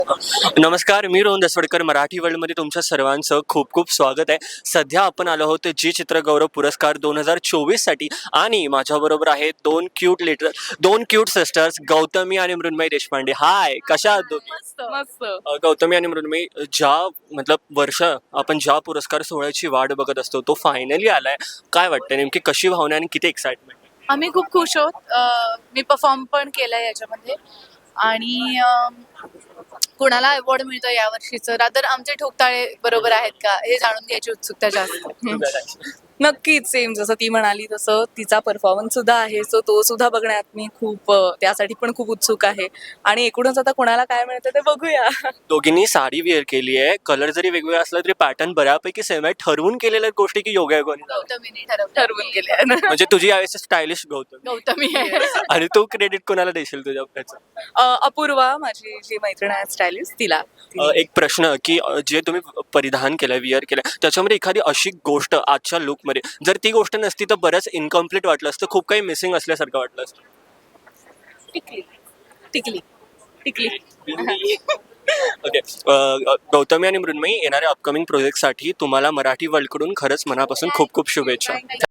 नमस्कार, मी रोहन दसवडकर. मराठी वर्ल्डमध्ये तुमच्या सर्वांचं खूप खूप स्वागत आहे. सध्या आपण आलो आहोत जी चित्रगौरव पुरस्कार 2024 साठी आणि माझ्याबरोबर आहेत दोन क्यूट सिस्टर्स गौतमी आणि मृण्मयी देशपांडे. हाय, कशा आहात दोघी? मस्त मस्त. गौतमी आणि मृण्मयी, वर्ष आपण ज्या पुरस्कार सोहळ्याची वाट बघत असतो तो फायनली आलाय. काय वाटतं, नेमकी कशी भावना आणि किती एक्साइटमेंट? आम्ही खूप खुश आहोत. मी परफॉर्म पण केलंय याच्यामध्ये आणि कुणाला अवॉर्ड मिळतो या वर्षीचं, रादर आमचे ठोकताळे बरोबर आहेत का हे जाणून घ्यायची उत्सुकता जास्त. नक्कीच सेम जसं ती म्हणाली तसं तिचा परफॉर्मन्स सुद्धा आहे, सो तो सुद्धा बघण्यात मी खूप त्यासाठी पण खूप उत्सुक आहे. आणि एकूणच आता कोणाला काय मिळतं ते बघूया. दोघींनी साडी वेअर केली आहे. कलर जरी वेगवेगळा असला तरी पॅटर्न बऱ्यापैकी सेम आहे. ठरवून केलेल्या गोष्टी की योगायोगाने झाल्या? गौतमीने ठरवून केले. म्हणजे तुझी यावेळेस स्टायलिश गौतमी गौतमी आहे. आणि तू क्रेडिट कोणाला देशील तुझ्या त्याचं? अपूर्वा माझी जी मैत्रीण आहे स्टायलिस्ट तिला. एक प्रश्न की जे तुम्ही परिधान केलंय, विअर केलंय, त्याच्यामध्ये एखादी अशी गोष्ट आजच्या लुकमध्ये जर ती गोष्ट नसती तर बरंच इनकम्प्लीट वाटलं असतं, खूप काही मिसिंग असल्यासारखं वाटलं असतं. टिकली टिकली टिकली. ओके. गौतमी आणि मृण्मयी, येणाऱ्या अपकमिंग प्रोजेक्टसाठी तुम्हाला मराठी वर्ल्डकडून खरंच मनापासून खूप खूप शुभेच्छा.